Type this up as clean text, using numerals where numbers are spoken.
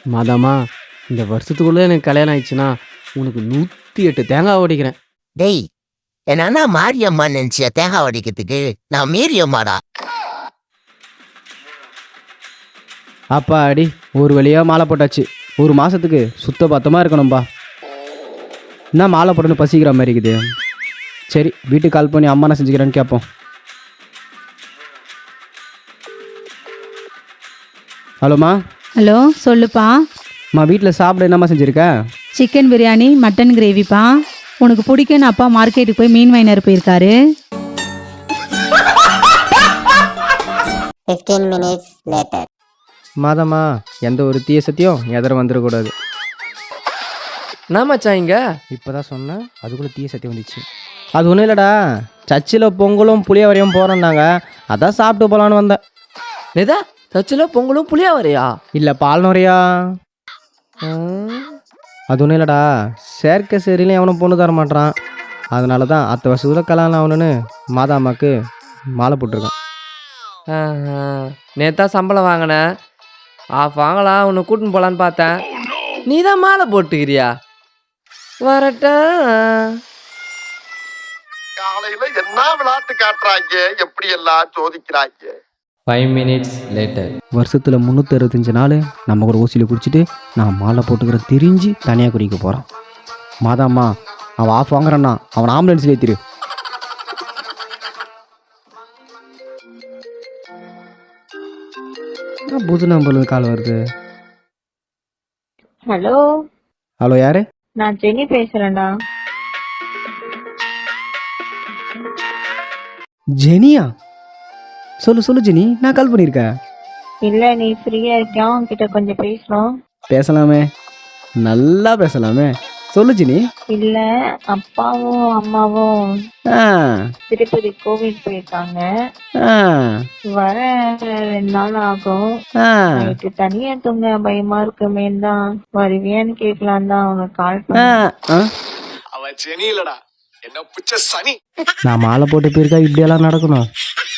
மாதாமா, இந்த வருஷத்துக்குள்ள எனக்கு கல்யாணம் ஆயிடுச்சுன்னா உனக்கு 108 தேங்காய் உடைக்கிறேன். டேய், என் அண்ணா மாரியம்மா நினைச்சியா தேங்காய் உடைக்கிறதுக்கு? நான் மீரியம்மாடா. அப்பாடி, ஒரு வழியா மாலை போட்டாச்சு. ஒரு மாசத்துக்கு சுத்த பத்தமாக இருக்கணும்பா. என்ன மாலை போட்டுன்னு பசிக்கிற மாதிரி இருக்குது. சரி, வீட்டுக்கு கால் பண்ணி அம்மா என்ன செஞ்சுக்கிறேன்னு கேட்போம். ஹலோம்மா. ஹலோ, சொல்லுப்பா. அம்மா, வீட்டில் சாப்பிட என்னம்மா செஞ்சுருக்க? சிக்கன் பிரியாணி, மட்டன் கிரேவிப்பா. உனக்கு பிடிக்குன்னு அப்பா மார்க்கெட்டுக்கு போய் மீன் வாங்கினார் போயிருக்காரு. 15 minutes later. மாதம்மா, எந்த ஒரு தீய சத்தியம் எதிர வந்துடக்கூடாது. என்னமாச்சா இங்க? இப்போ தான் சொன்னேன், அதுக்குள்ளே தீய சத்தியம் வந்துச்சு. அது ஒன்றும் இல்லைடா, சர்ச்சில் பொங்கலும் புளியவரையும் போகிறோன்னாங்க, அதான் சாப்பிட்டு போகலான்னு வந்தேன். எதா சச்சில் பொங்கலும் புளியா வரையா? இல்லை, பால் நுறையா. அது ஒன்றும் இல்லைடா, செயற்கை சரியிலையும் எவனும் பொண்ணு தர மாட்டான். அதனால தான் அத்தை வருஷத்தில் கல்யாணம் ஆகணுன்னு மாதாம்மாக்கு மாலை போட்டிருக்கான். நேத்தா சம்பளம் வாங்கினேன், ஆஃப் வாங்கலாம் உன்னை கூட்டின்னு போகலான்னு பார்த்தேன். நீ தான் மாலை போட்டுக்கிறியா? வரட்டா. காலையில என்ன விளையாட்டு காட்டுறாங்க, எப்படி எல்லாம் சோதிக்கிறாங்க. 5 minutes later. வருஷத்தில் 365 நாள் நம்ம கூட ஊசியில் குடிச்சிட்டு நான் மாலை போட்டுக்கிற தெரிஞ்சு தனியாக குடிக்க போகிறான். மாதாம்மா, அவன் ஆஃப் வாங்குறான்னா அவன் ஆம்புலன்ஸில் ஏற்றிரு. புது நம்பருக்கு கால் வருது. ஹலோ. ஹலோ, யாரு? நான் ஜெனி பேசுறேன்டா. ஜெனியா? சொல்லு சொல்லு ஜெனி, நான் கால் பண்ணியிருக்கேன். இல்ல, நீ ஃப்ரீயா இருக்கியா? உன்கிட்ட கொஞ்சம் பேசணும். பேசலாமே, நல்லா பேசலாமே. சொல்லு ஜெனி. இல்ல, அப்பாவும் அம்மாவும் ஆ திருப்பதி கோவில் போயிருக்காங்க. ஆ வர 2 நாள் ஆகும். ஆ நைட்டு தனியா தூங்க பயமா இருக்குமேன்னு தான் வருவியான்னு கேட்கலாம் தான் உனக்கு கால் ஆ பண்ணேன். ஆ. அவன் செனி இல்லடா, என்ன புச்ச சனி. நான் மாலை போட்டு போயிருக்கா இப்படியெல்லாம் நடக்கணும்.